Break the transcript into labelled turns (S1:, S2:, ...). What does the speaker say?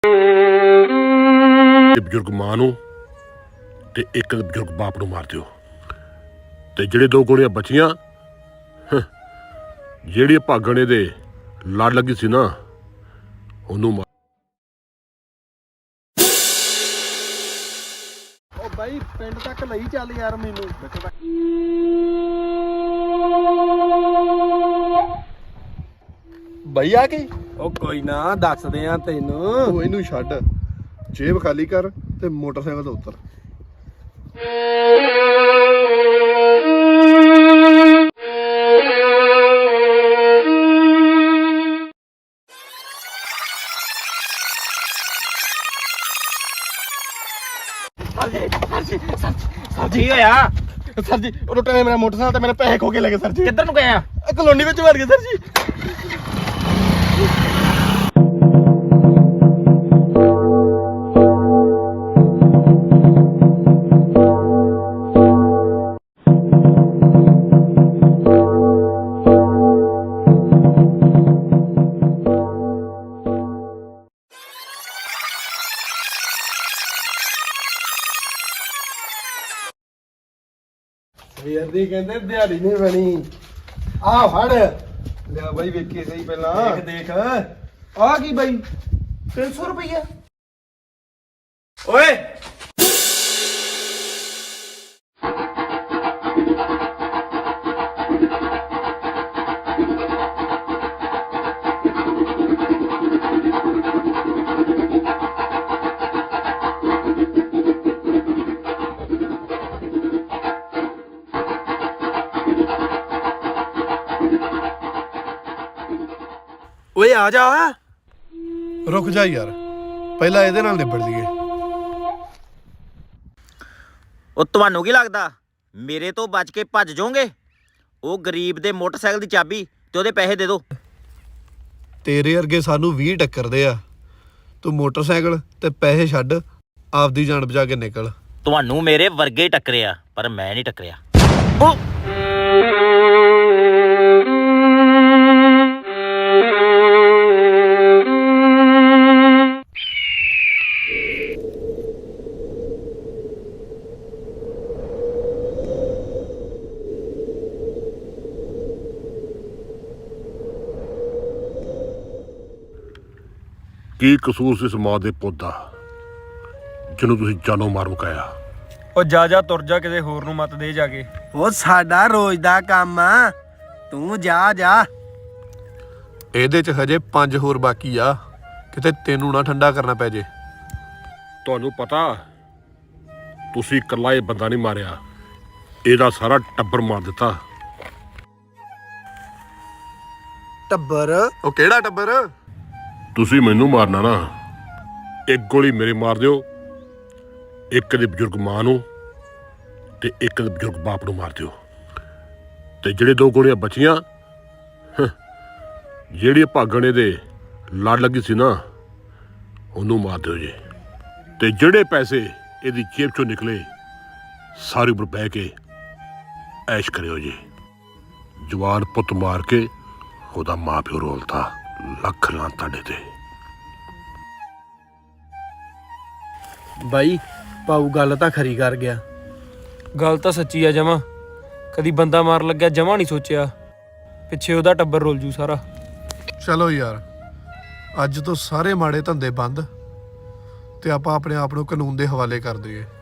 S1: ਬਜ਼ੁਰਗ ਮਾਂ ਨੂੰ ਤੇ ਇੱਕ ਬਜ਼ੁਰਗ ਬਾਪ ਨੂੰ ਮਾਰ ਦਿਓ ਤੇ ਜਿਹੜੇ ਦੋ ਗੋਲੀਆਂ ਬਚੀਆਂ ਜਿਹੜੀ ਭਾਗਣੇ ਦੇ ਲੜ ਲੱਗੀ ਸੀ ਨਾ ਉਹਨੂੰ ਮਾਰ।
S2: ਉਹ ਬਾਈ ਪਿੰਡ ਤੱਕ ਲਈ ਚੱਲ ਯਾਰ ਮੈਨੂੰ
S3: ਬਈ ਆ ਗਈ।
S2: ਉਹ ਕੋਈ ਨਾ ਦੱਸਦੇ ਆ ਤੈਨੂੰ।
S3: ਤੂੰ ਇਹਨੂੰ ਛੱਡ, ਜੇਬ ਖਾਲੀ ਕਰ ਤੇ ਮੋਟਰਸਾਈਕਲ ਤੋਂ ਉਤਰ।
S2: ਸਰ ਜੀ ਹੋਇਆ ਸਰ ਜੀ, ਉਹ ਲੁੱਟੇ ਨੇ ਮੇਰਾ ਮੋਟਰਸਾਈਕਲ ਤੇ ਮੇਰੇ ਪੈਸੇ ਖੋ ਕੇ ਲੈ ਗਏ ਸਰ ਜੀ। ਕਿੱਧਰ ਨੂੰ ਗਏ ਆ? ਕਲੋਨੀ ਵਿੱਚ ਵੜ ਗਏ ਸਰ ਜੀ। ਵੀਰਦੀ ਕਹਿੰਦੇ ਦਿਹਾੜੀ ਨਹੀਂ ਬਣੀ। ਆ ਫੜ
S3: ਲਿਆ ਬਾਈ ਵੇਖੀ ਸਹੀ ਪਹਿਲਾਂ।
S2: ਦੇਖ ਆ ਕੀ ਬਾਈ 300 ਰੁਪਈਆ। ਓਏ ਓਏ ਆ ਜਾ।
S3: ਰੁਕ ਜਾ ਯਾਰ, ਪਹਿਲਾਂ ਇਹਦੇ ਨਾਲ ਨਿਬੜ ਲਈਏ।
S4: ਉਹ ਤੁਹਾਨੂੰ ਕੀ ਲੱਗਦਾ ਮੇਰੇ ਤੋਂ ਬਚ ਕੇ ਭੱਜ ਜਾਓਗੇ? ਉਹ ਗਰੀਬ ਦੇ ਮੋਟਰਸਾਈਕਲ ਦੀ ਚਾਬੀ ਤੇ ਉਹਦੇ ਪੈਸੇ ਦੇ ਦਿਓ।
S3: ਤੇਰੇ ਵਰਗੇ ਸਾਨੂੰ 20 ਟੱਕਰਦੇ ਆ। ਤੂੰ ਮੋਟਰਸਾਈਕਲ ਤੇ ਪੈਸੇ ਛੱਡ, ਆਪਦੀ ਜਾਨ ਬਚਾ ਕੇ ਨਿਕਲ।
S4: ਤੁਹਾਨੂੰ ਮੇਰੇ ਵਰਗੇ ਹੀ ਟੱਕਰਿਆ, ਪਰ ਮੈਂ ਨਹੀਂ ਟੱਕਰਿਆ।
S1: ਕੀ ਕਸੂਰ ਸੀ ਇਸ ਮਾਂ ਦੇ ਪੁੱਤ ਦਾ ਜਿਹਨੂੰ ਤੁਸੀਂ ਜਾਨੋਂ ਮਾਰ ਮੁਕਾਇਆ?
S2: ਉਹ ਜਾ ਤੁਰ ਜਾ, ਕਿਸੇ ਹੋਰ ਨੂੰ ਮਤ ਦੇ ਜਾ ਕੇ।
S5: ਉਹ ਸਾਡਾ ਰੋਜ਼ ਦਾ ਕੰਮ ਆ, ਤੂੰ ਜਾ।
S3: ਇਹਦੇ 'ਚ ਹਜੇ 5 ਹੋਰ ਬਾਕੀ ਆ, ਕਿਤੇ ਤੈਨੂੰ ਨਾ ਠੰਡਾ ਕਰਨਾ ਪੈ ਜੇ।
S1: ਤੁਹਾਨੂੰ ਪਤਾ ਤੁਸੀਂ ਇਕੱਲਾ ਇਹ ਬੰਦਾ ਨਹੀਂ ਮਾਰਿਆ, ਇਹਦਾ ਸਾਰਾ ਟੱਬਰ ਮਾਰ ਦਿੱਤਾ।
S5: ਟੱਬਰ?
S3: ਉਹ ਕਿਹੜਾ ਟੱਬਰ?
S1: ਤੁਸੀਂ ਮੈਨੂੰ ਮਾਰਨਾ ਨਾ, ਇੱਕ ਗੋਲੀ ਮੇਰੇ ਮਾਰ ਦਿਓ, ਇੱਕ ਦੇ ਬਜ਼ੁਰਗ ਮਾਂ ਨੂੰ ਤੇ ਇੱਕ ਦੇ ਬਜ਼ੁਰਗ ਬਾਪ ਨੂੰ ਮਾਰ ਦਿਓ ਤੇ ਜਿਹੜੇ ਦੋ ਗੋਲੀਆਂ ਬਚੀਆਂ ਜਿਹੜੀ ਭਾਗਣੇ ਦੇ ਲੜ ਲੱਗੀ ਸੀ ਨਾ ਉਹਨੂੰ ਮਾਰ ਦਿਓ ਜੀ। ਤੇ ਜਿਹੜੇ ਪੈਸੇ ਇਹਦੀ ਜੇਬ ਚੋਂ ਨਿਕਲੇ ਸਾਰੀ ਉਮਰ ਬਹਿ ਕੇ ਐਸ਼ ਕਰਿਓ ਜੀ। ਜਵਾਨ ਪੁੱਤ ਮਾਰ ਕੇ ਉਹਦਾ ਮਾਂ ਪਿਓ ਰੋਲਤਾ, ਲੱਖ ਲਾਂ ਤੁਹਾਡੇ ਤੇ।
S5: ਬਾਈ ਪਾਉ ਗੱਲ ਤਾਂ ਖਰੀ ਕਰ ਗਿਆ।
S2: ਗੱਲ ਤਾਂ ਸੱਚੀ ਆ ਜਮਾ। ਕਦੀ ਬੰਦਾ ਮਾਰ ਲੱਗਿਆ ਜਮਾ ਨਹੀਂ ਸੋਚਿਆ, ਪਿੱਛੇ ਉਹਦਾ ਟੱਬਰ ਰੁੱਲ ਜੂ ਸਾਰਾ।
S3: ਚਲੋ ਯਾਰ, ਅੱਜ ਤੋਂ ਸਾਰੇ ਮਾੜੇ ਧੰਦੇ ਬੰਦ ਤੇ ਆਪਾਂ ਆਪਣੇ ਆਪ ਨੂੰ ਕਾਨੂੰਨ ਦੇ ਹਵਾਲੇ ਕਰ ਦਈਏ।